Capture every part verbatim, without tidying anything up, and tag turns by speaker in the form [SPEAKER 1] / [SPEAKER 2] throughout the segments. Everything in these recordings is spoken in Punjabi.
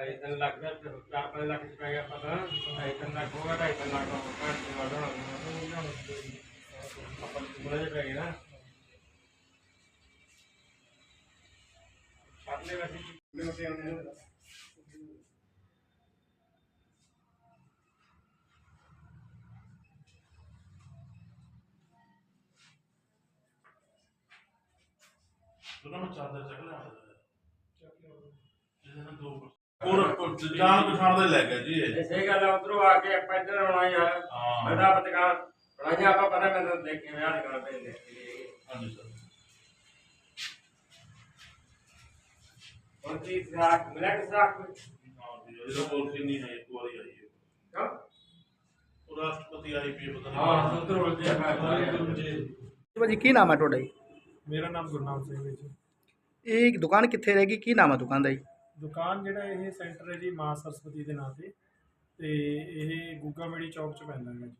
[SPEAKER 1] ढाई तीन लाख का चार पाँच लाख रुपया गया पता ढाई तीन लाख होगा ढाई तीन लाख का अपन बोले रहेगी ना सामने वैसे
[SPEAKER 2] ਚਾਦਰ ਚੱਕ ਲਿਆ ਇਹਨਾਂ ਦੋ ਪੂਰਾ ਜਾਨ ਪਛਾਣ ਦੇ ਲੈ ਗਿਆ ਜੀ ਇਹ
[SPEAKER 1] ਸਹੀ ਗੱਲ ਆ ਉਧਰੋਂ ਆ ਕੇ ਆਪਾਂ ਇੱਧਰ ਆਉਣਾ ਯਾਰ ਮੈਂ ਤਾਂ ਪਤਕਾ ਬਣਾਇਆ ਆਪਾਂ ਪਤਾ ਮੈਂ ਤਾਂ ਦੇਖ ਕੇ ਵਿਆਹ ਕਰ ਪਏ ਦੇਖ ਕੇ
[SPEAKER 2] ਹਾਂਜੀ ਸਰ
[SPEAKER 1] और चीज राख मिला के राख
[SPEAKER 2] ਹਾਂ ਜੀ ਇਹਦਾ ਪੋਲਿਸੀ ਨਹੀਂ ਹੈ ਇੱਕ ਵਾਰੀ ਆਈ ਹੈ
[SPEAKER 1] क्या
[SPEAKER 2] ਉਹ ਰਾਸ਼ਟਰਪਤੀ ਆਈ ਪੀ ਪਤਾ
[SPEAKER 1] हां
[SPEAKER 2] ਨਹੀਂ
[SPEAKER 1] उधर उलझे मैं
[SPEAKER 3] ਜੀ
[SPEAKER 4] ਭਾਜੀ ਕੀ ਨਾਮ ਹੈ ਤੁਹਾਡਾ ਜੀ?
[SPEAKER 3] ਮੇਰਾ ਨਾਮ ਗੁਰਨਾਮ ਸਿੰਘ ਹੈ ਜੀ।
[SPEAKER 4] ਇਹ ਦੁਕਾਨ ਕਿੱਥੇ ਰਹੇਗੀ, ਕੀ ਨਾਮ ਹੈ ਦੁਕਾਨ ਦਾ ਜੀ?
[SPEAKER 3] ਦੁਕਾਨ ਜਿਹੜਾ ਇਹ ਸੈਂਟਰ ਹੈ ਜੀ ਮਾਂ ਸਰਸਵਤੀ ਦੇ ਨਾਂ ਤੇ ਤੇ ਇਹ ਗੁੱਗਾ ਮੇੜੀ ਚੌਕ 'ਚ ਪੈਂਦਾ ਹੈਗਾ ਜੀ।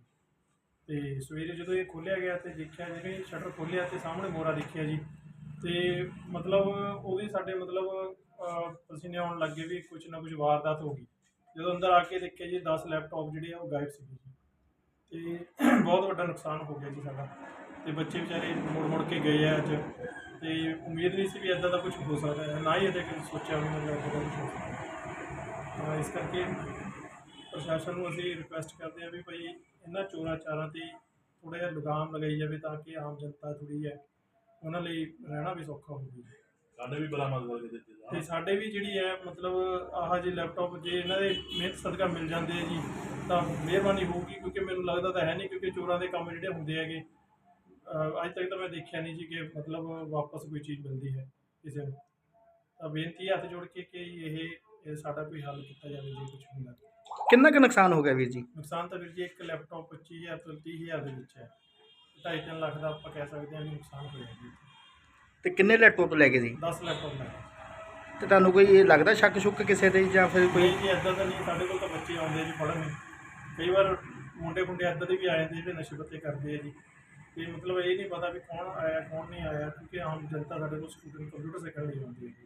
[SPEAKER 3] ਤੇ ਸਵੇਰੇ ਜਦੋਂ ਇਹ ਖੋਲ੍ਹਿਆ ਗਿਆ ਤੇ ਦੇਖਿਆ ਜਿਹੜੇ ਸ਼ਟਰ ਖੋਲ੍ਹਿਆ ਤੇ ਸਾਹਮਣੇ ਮੋਰਾ ਦੇਖਿਆ ਜੀ ਤੇ ਮਤਲਬ ਉਹਦੀ ਸਾਡੇ ਮਤਲਬ ਪਸੀਨੇ ਆਉਣ ਲੱਗੇ ਵੀ ਕੁਛ ਨਾ ਕੁਛ ਵਾਰਦਾਤ ਹੋ ਗਈ। ਜਦੋਂ ਅੰਦਰ ਆ ਕੇ ਦੇਖਿਆ ਜੀ ਦਸ ਲੈਪਟਾਪ ਜਿਹੜੇ ਆ ਉਹ ਗਾਇਬ ਸੀਗੇ ਜੀ ਤੇ ਬਹੁਤ ਵੱਡਾ ਨੁਕਸਾਨ ਹੋ ਗਿਆ ਜੀ ਸਾਡਾ ਤੇ ਬੱਚੇ ਵਿਚਾਰੇ ਮੁੜ ਮੁੜ ਕੇ ਗਏ ਆ ਅੱਜ ਤੇ ਉਮੀਦ ਨਹੀਂ ਸੀ ਵੀ ਇੱਦਾਂ ਦਾ ਕੁਝ ਹੋ ਸਕਦਾ ਹੈ, ਨਾ ਹੀ ਇਹਦੇ ਕਦੇ ਸੋਚਿਆ ਵੀ ਮਤਲਬ ਇੱਦਾਂ ਦਾ ਕੁਛ ਹੋ ਸਕਦਾ ਹੈ। ਇਸ ਕਰਕੇ ਪ੍ਰਸ਼ਾਸਨ ਨੂੰ ਅਸੀਂ ਰਿਕੁਐਸਟ ਕਰਦੇ ਹਾਂ ਵੀ ਭਾਈ ਇਹਨਾਂ ਚੋਰਾਂ ਚਾਰਾਂ 'ਤੇ ਥੋੜ੍ਹਾ ਜਿਹਾ ਲਗਾਮ ਲਗਾਈ ਜਾਵੇ ਤਾਂ ਕਿ ਆਮ ਜਨਤਾ ਥੋੜ੍ਹੀ ਹੈ ਉਹਨਾਂ ਲਈ ਰਹਿਣਾ ਵੀ ਸੌਖਾ ਹੋਵੇ।
[SPEAKER 2] ਸਾਡੇ ਵੀ ਬਰਾਮਦ ਕਰਕੇ ਦਿੱਤੇ
[SPEAKER 3] ਤੇ ਸਾਡੇ ਵੀ ਜਿਹੜੀ ਹੈ ਮਤਲਬ ਆਹ ਜੇ ਲੈਪਟਾਪ ਜੇ ਇਹਨਾਂ ਦੇ ਮਿਹਨਤ ਸਦਕਾ ਮਿਲ ਜਾਂਦੇ ਆ ਜੀ ਤਾਂ ਮਿਹਰਬਾਨੀ ਹੋਊਗੀ ਕਿਉਂਕਿ ਮੈਨੂੰ ਲੱਗਦਾ ਤਾਂ ਹੈ ਨਹੀਂ ਕਿਉਂਕਿ ਚੋਰਾਂ ਦੇ ਕੰਮ ਜਿਹੜੇ ਹੁੰਦੇ ਹੈਗੇ ਅੱਜ ਤੱਕ ਤਾਂ ਮੈਂ ਦੇਖਿਆ ਨਹੀਂ ਜੀ ਕਿ ਮਤਲਬ ਵਾਪਸ ਕੋਈ ਚੀਜ਼ ਮਿਲਦੀ ਹੈ ਕਿਸੇ ਨੂੰ। ਤਾਂ ਬੇਨਤੀ ਹੱਥ ਜੋੜ ਕੇ ਕਿ ਇਹ ਇਹ ਸਾਡਾ ਕੋਈ ਹੱਲ ਕੀਤਾ ਜਾਵੇ ਜੇ ਕੁਛ ਹੁੰਦਾ।
[SPEAKER 4] ਕਿੰਨਾ ਕੁ ਨੁਕਸਾਨ ਹੋ ਗਿਆ ਵੀਰ ਜੀ?
[SPEAKER 3] ਨੁਕਸਾਨ ਤਾਂ ਵੀਰ ਜੀ ਇੱਕ ਲੈਪਟਾਪ ਪੱਚੀ ਹਜ਼ਾਰ ਤੋਂ ਤੀਹ ਹਜ਼ਾਰ ਦੇ ਵਿੱਚ ਹੈ। ਢਾਈ ਤਿੰਨ ਲੱਖ ਦਾ ਆਪਾਂ ਕਹਿ ਸਕਦੇ ਹਾਂ ਵੀ ਨੁਕਸਾਨ ਹੋਇਆ ਜੀ।
[SPEAKER 4] ਤੇ ਕਿੰਨੇ ਲੈਪਟਾਪ ਲੈ ਗਏ ਜੀ?
[SPEAKER 3] ਦਸ ਲੈਪਟਾਪ ਲੈ
[SPEAKER 4] ਤੇ ਤੁਹਾਨੂੰ ਕੋਈ ਇਹ ਲੱਗਦਾ ਸ਼ੱਕ ਸ਼ੁੱਕ ਕਿਸੇ ਤੇ ਜਾਂ ਫਿਰ ਕੋਈ?
[SPEAKER 3] ਕੋਈ ਜੀ ਇੱਦਾਂ ਤਾਂ ਨਹੀਂ, ਸਾਡੇ ਕੋਲ ਤਾਂ ਬੱਚੇ ਆਉਂਦੇ ਜੀ ਪੜ੍ਹਨ। ਕਈ ਵਾਰ ਮੁੰਡੇ ਮੁੰਡੇ ਇੱਦਾਂ ਦੇ ਵੀ ਆ ਜਾਂਦੇ ਜਿਹੜੇ ਨਸ਼ੇ ਪੱਤੇ ਕਰਦੇ ਆ ਜੀ ਤੇ ਮਤਲਬ ਇਹ ਨਹੀਂ ਪਤਾ ਵੀ ਕੌਣ ਆਇਆ ਕੌਣ ਨਹੀਂ ਆਇਆ ਕਿਉਂਕਿ ਆਮ ਜਨਤਾ ਸਾਡੇ ਕੋਲ ਸਟੂਡੈਂਟ ਕੰਪਿਊਟਰ ਸਿੱਖਣ ਲਈ ਆਉਂਦੀ ਹੈ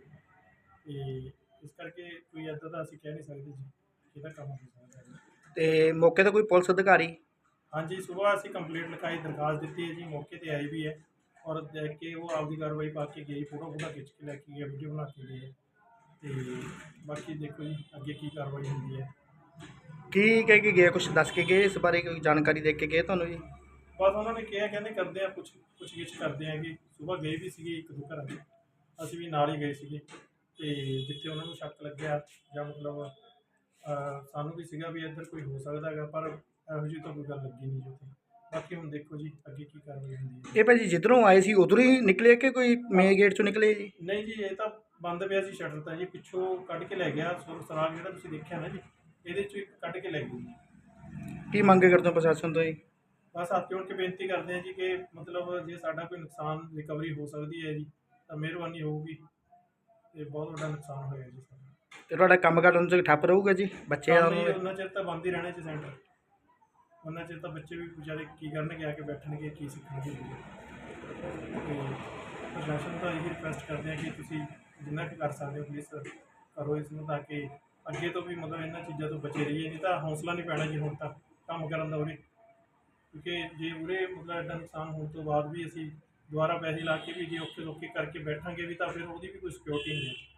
[SPEAKER 3] ਤੇ ਇਸ ਕਰਕੇ ਕੋਈ ਇੱਦਾਂ ਦਾ ਅਸੀਂ ਕਹਿ ਨਹੀਂ ਸਕਦੇ ਜੀ ਇਹਦਾ ਕੰਮ ਹੋ ਸਕਦਾ ਹੈ।
[SPEAKER 4] ਤੇ ਮੌਕੇ ਤੇ ਕੋਈ ਪੁਲਿਸ ਅਧਿਕਾਰੀ?
[SPEAKER 3] ਹਾਂਜੀ ਸੁਬਾਹ ਅਸੀਂ ਕੰਪਲੇਂਟ ਲਿਖਾਈ ਦਰਖਾਸਤ ਦਿੱਤੀ ਹੈ ਜੀ, ਮੌਕੇ ਤੇ ਆਈ ਵੀ ਹੈ ਔਰ ਦੇਖ ਕੇ ਉਹ ਆਪਦੀ ਕਾਰਵਾਈ ਪਾ ਕੇ ਗਈ, ਫੋਟੋ ਫੋਟੋ ਖਿੱਚ ਕੇ ਲੈ ਕੇ ਗਏ, ਵੀਡੀਓ ਬਣਾ ਕੇ ਗਏ ਤੇ ਬਾਕੀ ਦੇਖੋ ਜੀ ਅੱਗੇ ਕੀ ਕਾਰਵਾਈ ਹੁੰਦੀ ਹੈ।
[SPEAKER 4] ਕੀ ਕਹਿ ਕੇ ਗਏ, ਕੁਝ ਦੱਸ ਕੇ ਗਏ ਇਸ ਬਾਰੇ, ਕੋਈ ਜਾਣਕਾਰੀ ਦੇ ਕੇ ਗਏ ਤੁਹਾਨੂੰ ਜੀ?
[SPEAKER 3] ਬਸ ਉਹਨਾਂ ਨੇ ਕਿਹਾ ਕਹਿੰਦੇ ਕਰਦੇ ਆ ਕੁਛ ਪੁੱਛ ਗਿੱਛ ਕਰਦੇ ਆ ਕਿ ਸੁਬਾਹ ਗਏ ਵੀ ਸੀਗੇ ਇੱਕ ਦੋ ਘਰਾਂ 'ਚ, ਅਸੀਂ ਵੀ ਨਾਲ ਹੀ ਗਏ ਸੀਗੇ ਤੇ ਜਿੱਥੇ ਉਹਨਾਂ ਨੂੰ ਸ਼ੱਕ ਲੱਗਿਆ ਜਾਂ ਮਤਲਬ ਸਾਨੂੰ ਵੀ ਸੀਗਾ ਵੀ ਇੱਧਰ ਕੋਈ ਹੋ ਸਕਦਾ ਹੈਗਾ ਪਰ ਇਹੋ ਜਿਹੀ ਤਾਂ ਕੋਈ ਗੱਲ ਲੱਗੀ ਨਹੀਂ ਜੀ ਉੱਥੇ। ਬਾਕੀ ਹੁਣ ਦੇਖੋ ਜੀ ਅੱਗੇ ਕੀ ਕਾਰਵਾਈ ਹੁੰਦੀ ਹੈ।
[SPEAKER 4] ਇਹ ਭਾਜੀ ਜਿੱਧਰੋਂ ਆਏ ਸੀ ਉਧਰੋਂ ਹੀ ਨਿਕਲੇ ਕਿ ਕੋਈ ਮੇਨ ਗੇਟ ਚੋਂ ਨਿਕਲੇ ਜੀ?
[SPEAKER 3] ਨਹੀਂ ਜੀ ਇਹ ਤਾਂ ਬੰਦ ਪਿਆ ਸੀ ਸ਼ਟਰ ਤਾਂ ਜੀ, ਪਿੱਛੋਂ ਕੱਢ ਕੇ ਲੈ ਗਿਆ ਸੁਰ ਸਰਾਗ ਜਿਹੜਾ ਤੁਸੀਂ ਦੇਖਿਆ ਨਾ ਜੀ ਇਹਦੇ 'ਚੋਂ ਇੱਕ ਕੱਢ ਕੇ ਲੈ ਗਈ ਜੀ।
[SPEAKER 4] ਕੀ ਮੰਗ ਕਰਦੇ ਹੋ ਪ੍ਰਸ਼ਾਸਨ ਤੋਂ ਜੀ?
[SPEAKER 3] ਬਸ ਹੱਥ ਜੋੜ ਕੇ ਬੇਨਤੀ ਕਰਦੇ ਹਾਂ ਜੀ ਕਿ ਮਤਲਬ ਜੇ ਸਾਡਾ ਕੋਈ ਨੁਕਸਾਨ ਰਿਕਵਰੀ ਹੋ ਸਕਦੀ ਹੈ ਜੀ ਤਾਂ ਮਿਹਰਬਾਨੀ ਹੋਊਗੀ ਤੇ ਬਹੁਤ ਵੱਡਾ ਨੁਕਸਾਨ ਹੋਇਆ ਜੀ ਸਾਡਾ।
[SPEAKER 4] ਤੇ ਤੁਹਾਡਾ ਕੰਮ ਕਰਨ 'ਚ ਠੱਪ ਰਹੂਗਾ ਜੀ? ਬੱਚੇ
[SPEAKER 3] ਕੰਮ ਹੀ ਉਹਨਾਂ ਚਿਰ ਤਾਂ ਬੰਦ ਹੀ ਰਹਿਣਾ ਜੀ ਸੈਂਟਰ, ਉਹਨਾਂ ਚਿਰ ਤਾਂ ਬੱਚੇ ਵੀ ਵਿਚਾਰੇ ਕੀ ਕਰਨਗੇ ਆ ਕੇ ਬੈਠਣਗੇ ਕੀ ਸਿੱਖਣਗੇ। ਤੇ ਪ੍ਰਸ਼ਾਸਨ ਤੋਂ ਇਹੀ ਰਿਕੁਐਸਟ ਕਰਦੇ ਹਾਂ ਕਿ ਤੁਸੀਂ ਜਿੰਨਾ ਕੁ ਕਰ ਸਕਦੇ ਹੋ ਪਲੀਜ਼ ਕਰੋ ਇਸ ਨੂੰ ਤਾਂ ਕਿ ਅੱਗੇ ਤੋਂ ਵੀ ਮਤਲਬ ਇਹਨਾਂ ਚੀਜ਼ਾਂ ਤੋਂ ਬਚੇ ਰਹੀਏ। ਨਹੀਂ ਤਾਂ ਹੌਸਲਾ ਨਹੀਂ ਪੈਣਾ ਜੀ ਹੁਣ ਤਾਂ ਕੰਮ ਕਰਨ ਦਾ ਉਰੇ, ਕਿਉਂਕਿ ਜੇ ਉਰੇ ਮਤਲਬ ਐਡਾ ਨੁਕਸਾਨ ਹੋਣ ਤੋਂ ਬਾਅਦ ਵੀ ਅਸੀਂ ਦੁਬਾਰਾ ਪੈਸੇ ਲਾ ਕੇ ਵੀ ਜੇ ਔਖੇ ਸੌਖੇ ਕਰਕੇ ਬੈਠਾਂਗੇ ਵੀ ਤਾਂ ਫਿਰ ਉਹਦੀ ਵੀ ਕੋਈ ਸਿਕਿਉਰਿਟੀ ਨਹੀਂ ਹੈ।